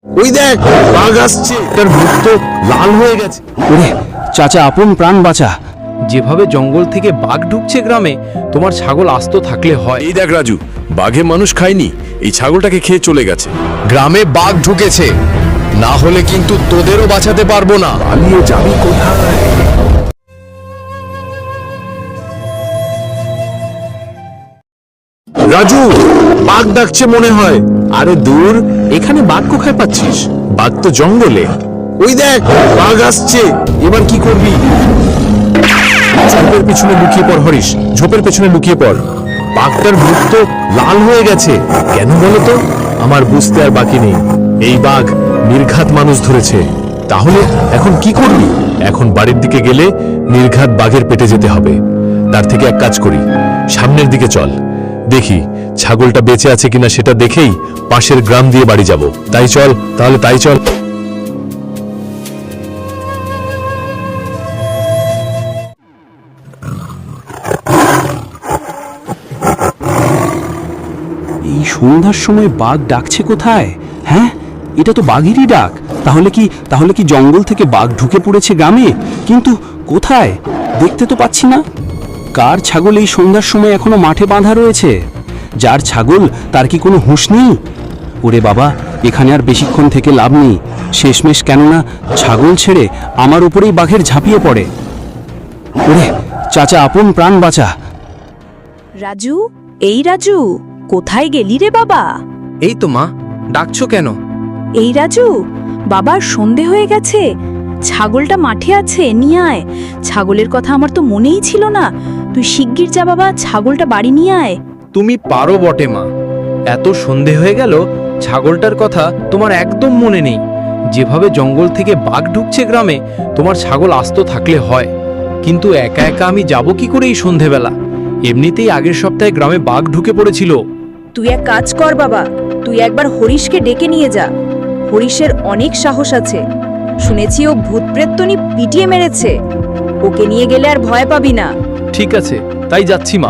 ওই দেখ, বাঘ আসছে, তার মুখ তো লাল হয়ে গেছে। ওরে চাচা, আপন প্রাণ বাঁচা। যেভাবে জঙ্গল থেকে বাঘ ঢুকছে গ্রামে, তোমার ছাগল আস্ত থাকলে হয়। এই দেখ রাজু, বাঘে মানুষ খায়নি, এই ছাগলটাকে খেয়ে চলে গেছে। গ্রামে বাঘ ঢুকেছে, না হলে কিন্তু তোদেরও বাঁচাতে পারবো না। পালিয়ে যাবি কোথায়? রাজু, বাঘ ডাকছে মনে হয়। আরে দূর, এখানে বাঘ কোথায় পাচ্ছিস? বাঘ তো জঙ্গলে। ওই দেখ, বাঘ আসছে, এবার কি করবি? ঝোপের পেছনে লুকিয়ে পড় হরিশ, ঝোপের পেছনে লুকিয়ে পড়। বাঘটার মুখ তো লাল হয়ে গেছে, কেন বলো তো? আমার বুঝতে আর বাকি নেই। এই বাঘ নির্ঘাত মানুষ ধরেছে। তাহলে এখন কি করবি? এখন বাড়ির দিকে গেলে নির্ঘাত বাঘের পেটে যেতে হবে। তার থেকে এক কাজ করি, সামনের দিকে চল, দেখি ছাগলটা বেঁচে আছে কিনা সেটা দেখেই পাশের গ্রাম দিয়ে বাড়ি যাব। তাই চল, তাহলে তাই চল। এই সন্ধ্যার সময় বাঘ ডাকছে কোথায়? হ্যাঁ, এটা তো বাঘেরই ডাক। তাহলে কি জঙ্গল থেকে বাঘ ঢুকে পড়েছে গ্রামে? কিন্তু কোথায়? দেখতে তো পাচ্ছি না। কার ছাগল এই সন্ধ্যার সময় এখনো মাঠে বাঁধা রয়েছে? যার ছাগল তার কি কোনো হুঁশ নেই? ওরে বাবা, এখানে আর বেশিক্ষণ থেকে লাভ নেই। শেষমেশ কেননা ছাগল ছেড়ে আমার উপরেই বাঘের ঝাঁপিয়ে পড়ে। ওরে চাচা, আপন প্রাণ বাঁচা। রাজু, এই রাজু, কোথায় গেলি রে বাবা? এই তো মা, ডাকছো কেন? এই রাজু, বাবার সন্ধে হয়ে গেছে, ছাগলটা মাঠে আছে, নিয়ে আয়। ছাগলের কথা আমার তো মনেই ছিল না। তুই শিগগির যা বাবা, ছাগলটা বাড়ি নিয়ে আয়। তুমি পারো বটে মা, এত সন্ধে হয়ে গেল, ছাগলটার কথা তোমার একদম মনে নেই। যেভাবে জঙ্গল থেকে বাঘ ঢুকছে গ্রামে, তোমার ছাগল আস্ত থাকলে হয়। কিন্তু একা একা আমি যাব কি করে এই সন্ধেবেলা? এমনিতেই আগের সপ্তাহে গ্রামে বাঘ ঢুকে পড়েছিল। তুই এক কাজ কর বাবা, তুই একবার হরিশকে ডেকে নিয়ে যা। হরিশের অনেক সাহস আছে, শুনেছি ও ভূত প্রেতনি পিটিয়ে মেরেছে। ওকে নিয়ে গেলে আর ভয় পাবি না। ঠিক আছে, তাই যাচ্ছি মা।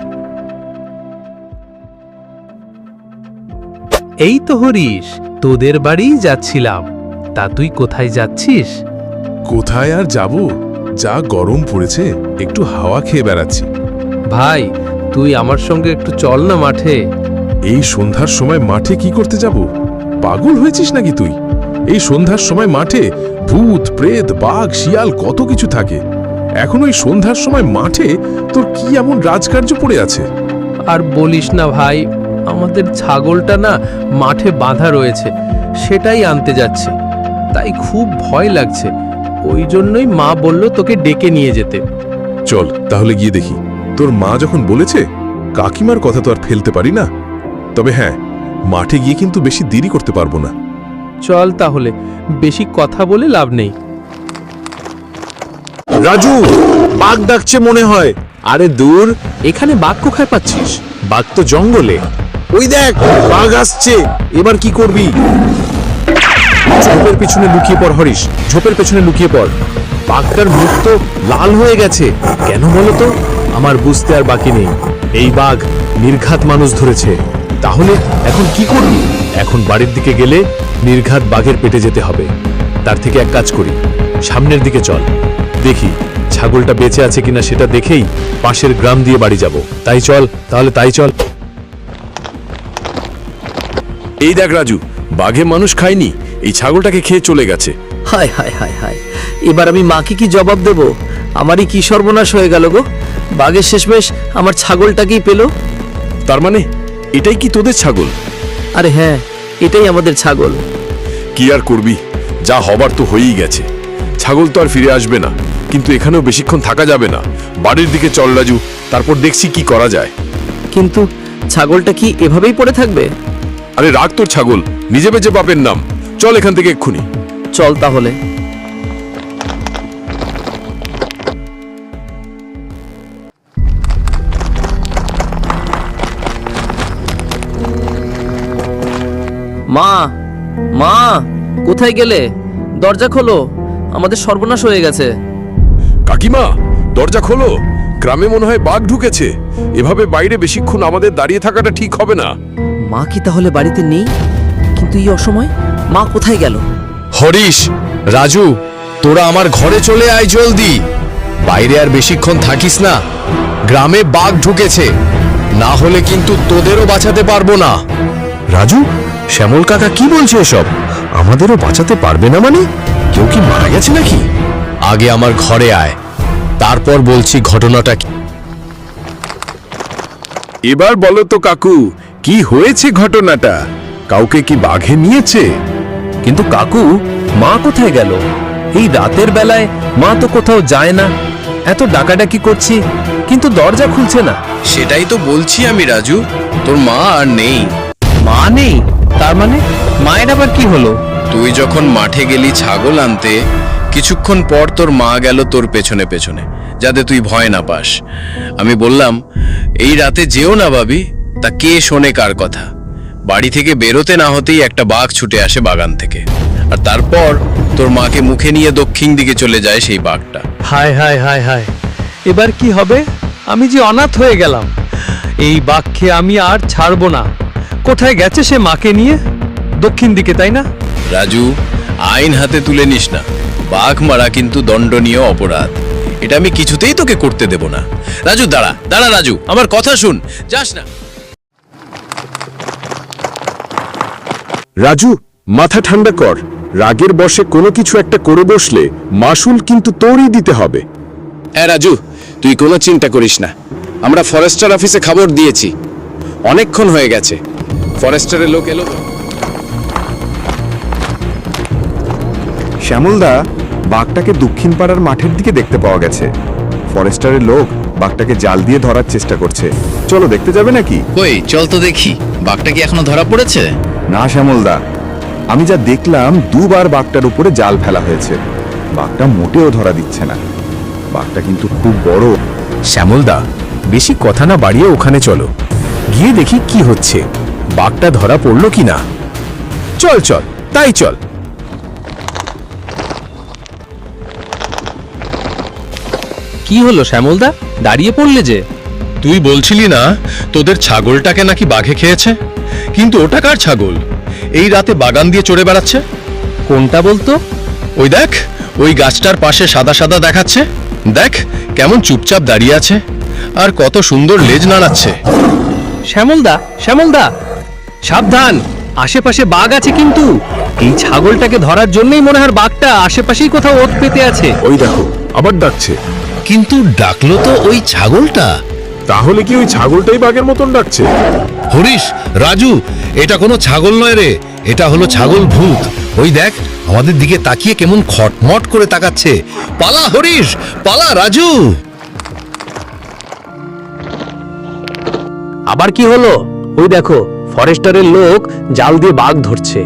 এই তো হরিশ, তোদের বাড়িই যাচ্ছিলাম। তা তুই কোথায় যাচ্ছিস? কোথায় আর যাব, যা গরম পড়েছে, একটু হাওয়া খেয়ে বেড়াচ্ছি। ভাই, তুই আমার সঙ্গে একটু চল না মাঠে। এই সন্ধ্যার সময় মাঠে কি করতে যাব? পাগল হয়েছিস নাকি তুই? এই সন্ধ্যার সময় মাঠে ভূত প্রেত বাঘ শিয়াল কত কিছু থাকে। এখন ওই সন্ধ্যার সময় মাঠে তোর কি এমন রাজকার্য পড়ে আছে? আর বলিস না ভাই, আমাদের ছাগলটা না মাঠে বাঁধা রয়েছে, সেটাই আনতে যাচ্ছে। তাই খুব ভয় লাগছে। ওই জন্যই মা বলল তোকে ডেকে নিয়ে যেতে। চল তাহলে গিয়ে দেখি। তোর মা যখন বলেছে, কাকিমার কথা তো আর ফেলতে পারি না। তবে হ্যাঁ, মাঠে গিয়ে কিন্তু বেশি দেরি করতে পারবো না। চল তাহলে, বেশি কথা বলে লাভ নেই। রাজু, বাঘ ডাকছে মনে হয়। আরে দূর, এখানে বাঘ কোথায় পাচ্ছিস? বাঘ তো জঙ্গলে। ওই দেখ, বাঘ আসছে, এবার কি করবি? ঝোপের পেছনে লুকিয়ে পড় হরিশ, ঝোপের পেছনে লুকিয়ে পড়। বাঘটার মুখ তো লাল হয়ে গেছে, কেন বলো তো? আমার বুঝতে আর বাকি নেই। এই বাঘ নির্ঘাত মানুষ ধরেছে। তাহলে এখন কি করবি? এখন বাড়ির দিকে গেলে নির্ঘাত বাঘের পেটে যেতে হবে। তার থেকে এক কাজ করি, সামনের দিকে চল, দেখি ছাগলটা বেঁচে আছে কিনা সেটা দেখেই পাশের গ্রাম দিয়ে বাড়ি যাব। তাই চল, তাহলে তাই চল। এই দেখ রাজু, বাঘে মানুষ খায়নি, এই ছাগলটাকে খেয়ে চলে গেছে। হায় হায় হায় হায়, এবার আমি মাকে কি জবাব দেব? আমারই কি সর্বনাশ হয়ে গেল গো। বাঘের শেষমেশ আমার ছাগলটাকেই পেল। তার মানে এটাই কি তোদের ছাগল? আরে হ্যাঁ, এটাই আমাদের ছাগল। কি আর করবি, যা হবার তো হয়েই গেছে। ছাগল তো আর ফিরে আসবে না, কিন্তু এখানেও বেশিক্ষণ থাকা যাবে না। বাড়ির দিকে চল রাজু, তারপর দেখছি কি করা যায়। কিন্তু ছাগলটা কি এভাবেই পড়ে থাকবে? আরে রাখ তোর ছাগল, নিজে বেঁচে বাপের নাম। চল এখান থেকে এক্ষুনি। চল তাহলে। মা, মা, কোথায় গেলে? দরজা খোলো, আমাদের সর্বনাশ হয়ে গেছে। কাকিমা, দরজা খোলো, গ্রামে মনে হয় বাঘ ঢুকেছে। এভাবে বাইরে বেশিক্ষণ আমাদের দাঁড়িয়ে থাকাটা ঠিক হবে না। মা কি তাহলে বাড়িতে নেই? কিন্তু এই অসময় মা কোথায় গেল? হরিশ, রাজু, তোরা আমার ঘরে চলে আয় জলদি। বাইরে আর বেশিক্ষণ থাকিস না, গ্রামে বাঘ ঢুকেছে, না হলে কিন্তু তোদেরও বাঁচাতে পারবো না। রাজু, শ্যামল কাকা কি বলছে এসব? আমাদেরও বাঁচাতে পারবে না মানে? কেউ কি মারা গেছে নাকি? আগে আমার ঘরে আয়, তারপর বলছি ঘটনাটা কি। এবার বলো তো কাকু, কি হয়েছে ঘটনাটা? কাউকে কি বাঘে নিয়েছে? কিন্তু কাকু, মা কোথায় গেল? এই রাতের বেলায় মা তো কোথাও যায় না। এত ডাকাডাকি করছি কিন্তু দরজা খুলছে না। সেটাই তো বলছি আমি রাজু, তোর মা আর নেই। মা নেই? তার মানে মায়ের আবার কি হলো? তুই যখন মাঠে গেলি ছাগল আনতে, কিছুক্ষণ পর তোর মা গেল তোর পেছনে পেছনে, যাতে তুই ভয় না পাস। আমি বললাম এই রাতে যেও না ভাবি, তা কে শোনে কার কথা। বাড়ি থেকে বেরোতে না হতেই একটা বাঘ ছুটে আসে বাগান থেকে, আর তারপর তোর মাকে মুখে নিয়ে দক্ষিণ দিকে চলে যায় সেই বাঘটা। হায় হায় হায় হায়, এবার কি হবে? আমি যে অনাথ হয়ে গেলাম। এই বাঘকে আমি আর ছাড়বো না। কোথায় গেছে সে মাকে নিয়ে? দক্ষিণ দিকে, তাই না? রাজু, আইন হাতে তুলে নিস না। বাঘ মারা কিন্তু দণ্ডনীয় অপরাধ। এটা আমি কিছুতেই তোকে করতে দেব না। রাজু দাঁড়া দাঁড়া, রাজু আমার কথা শুন, যাস না। রাজু, মাথা ঠান্ডা কর। রাগের বশে কোনো কিছু একটা করে বসলে মাসুল কিন্তু তোরই দিতে হবে। হ্যাঁ রাজু, তুই কোনো চিন্তা করিস না। আমরা ফরেস্টার অফিসে খবর দিয়েছি, অনেকক্ষণ হয়ে গেছে। ফরেস্টারের লোক এলো। শ্যামলদা, বাঘটাকে দক্ষিণ পাড়ার মাঠের দিকে দেখতে পাওয়া গেছে। ফরেস্টারের লোক বাঘটাকে জাল দিয়ে ধরার চেষ্টা করছে। চলো দেখতে যাবে নাকি? কই চল তো দেখি, বাঘটা কি এখনো ধরা পড়েছে? না শ্যামলদা, আমি যা দেখলাম দুবার বাঘটার উপরে জাল ফেলা হয়েছে। বাঘটা মোটেও ধরা দিচ্ছে না। বাঘটা কিন্তু খুব বড়। শ্যামলদা, বেশি কথা না বাড়িয়ে ওখানে চলো, গিয়ে দেখি কি হচ্ছে। বাঘটা ধরা পড়লো কি না। চল চল, তাই চল। কি হলো শ্যামলদা, দাঁড়িয়ে পড়লে যে? তুই বলছিলি না তোদের ছাগলটাকে নাকি বাঘে খেয়েছে? কিন্তু ওটা কার ছাগল? এই রাতে বাগান দিয়ে চড়ে বেড়াচ্ছে। কোনটা বলতো? ওই দেখ, ওই গাছটার পাশে সাদা সাদা দেখাচ্ছে। দেখ কেমন চুপচাপ দাঁড়িয়ে আছে, আর কত সুন্দর লেজ নাড়াচ্ছে। শ্যামলদা, শ্যামলদা, সাবধান, আশেপাশে বাঘ আছে কিন্তু। এই ছাগলটাকে ধরার জন্যই মনে হয় বাঘটা আশেপাশেই কোথাও ওত পেতে আছে। ওই দেখো, আবার ডাকছে। কিন্তু ডাকলো তো ওই ছাগলটা। তাহলে কি ওই ছাগলটাই বাঘের মতন ডাকছে? হরিশ, রাজু, এটা কোনো ছাগল নয় রে, এটা হলো ছাগল ভূত। ওই দেখ, আমাদের দিকে তাকিয়ে কেমন খটমট করে তাকাচ্ছে। পালা হরিশ, পালা রাজু। আবার কি হলো? ওই দেখো, ফরেস্টারের লোক জাল দিয়ে বাঘ ধরছে।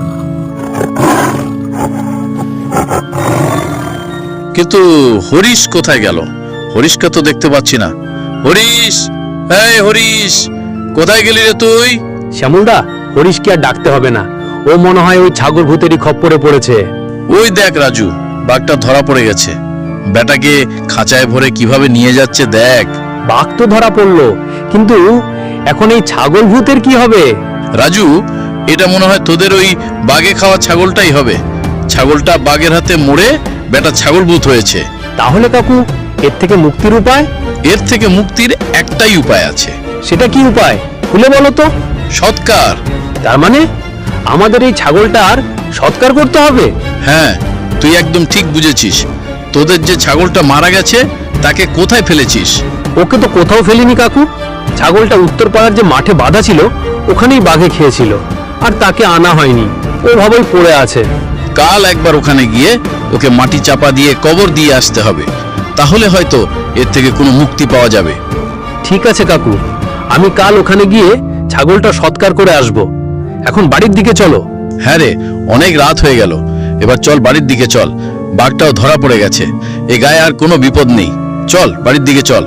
কিন্তু হরিশ কোথায় গেল? হরিশকে তো দেখতে পাচ্ছি না। হরিশ, এই হরিশ, কোথায় গেলি রে তুই? শ্যামলদা, হরিশকে আর ডাকতে হবে না। ও মনে হয় ওই ছাগল ভূতেরই খপ্পরে পড়েছে। ওই দেখ রাজু, বাঘটা ধরা পড়ে গেছে। বেটাকে খাঁচায় ভরে কিভাবে নিয়ে যাচ্ছে দেখ। বাঘ তো ধরা পড়লো, কিন্তু এখন এই ছাগল ভূতের কি হবে? রাজু, এটা মনে হয় তোদের ওই বাঘে খাওয়া ছাগলটাই হবে। ছাগলটা বাঘের হাতে মরে বেটা ছাগল ভূত হয়েছে। তাহলে কাকু, এর থেকে মুক্তির উপায়? এর থেকে মুক্তির একটাই উপায় আছে। সেটা কি উপায়? খুলে বলো তো। সৎকার। তার মানে আমাদের এই ছাগলটার সৎকার করতে হবে? হ্যাঁ, তুই একদম ঠিক বুঝেছিস। তোদের যে ছাগলটা মারা গেছে তাকে কোথায় ফেলেছিস? ওকে তো কোথাও ফেলিনি কাকু। ছাগলটা উত্তর পাড়ার যে মাঠে বাঁধা ছিল ওখানেই বাঘে খেয়েছিল, আর তাকে আনা হয়নি। ওভাবেই পড়ে আছে। কাল একবার ওখানে গিয়ে ওকে মাটি চাপা দিয়ে কবর দিয়ে আসতে হবে, তাহলে হয়তো এর থেকে কোনো মুক্তি পাওয়া যাবে। ঠিক আছে কাকু, আমি কাল ওখানে গিয়ে ছাগলটা সৎকার করে আসব। এখন বাড়ির দিকে চলো। হ্যাঁ রে, অনেক রাত হয়ে গেল, এবার চল বাড়ির দিকে চল। বাঘটাও ধরা পড়ে গেছে, এ গায়ে আর কোনো বিপদ নেই। চল বাড়ির দিকে চল।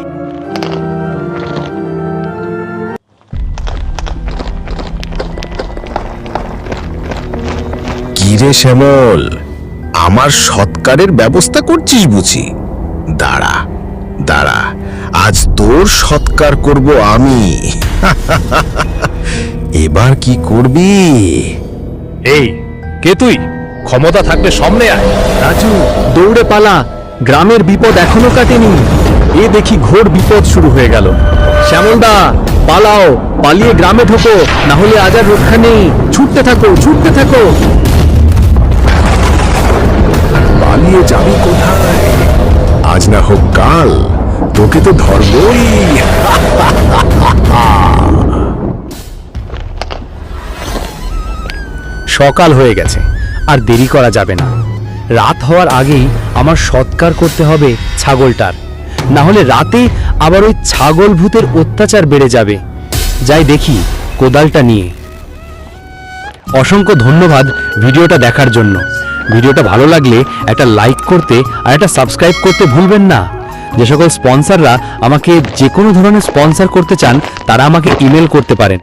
কি রে শ্যামল, আমার সৎকারের ব্যবস্থা করছিস বুঝি? দাঁড়া দাঁড়া, আজ তোর সৎকার করব আমি। এবার কি করবি? এই, কে তুই? ক্ষমতা থাকলে সামনে আয়। রাজু দৌড়ে পালা, গ্রামের বিপদ এখনো কাটেনি। এ দেখি ঘোর বিপদ শুরু হয়ে গেল। শ্যামলদা পালাও, পালিয়ে গ্রামে ঢোকো, না হলে আজ আর রক্ষা নেই। ছুটতে থাকো, ছুটতে থাকো। পালিয়ে যাবি কোথায়? আজ না হোক কাল তোকে তো ধরবই। সকাল হয়ে গেছে, আর দেরি করা যাবে না। রাত হওয়ার আগেই আমার সৎকার করতে হবে ছাগলটার, না হলে রাতে আবার ওই ছাগল ভূতের অত্যাচার বেড়ে যাবে। যাই দেখি কোদালটা নিয়ে। অসংখ্য ধন্যবাদ ভিডিওটা দেখার জন্য। ভিডিওটা ভালো লাগলে একটা লাইক করতে আর একটা সাবস্ক্রাইব করতে ভুলবেন না। যে সকল স্পন্সররা আমাকে যে কোনো ধরনের স্পন্সর করতে চান তারা আমাকে ইমেল করতে পারেন।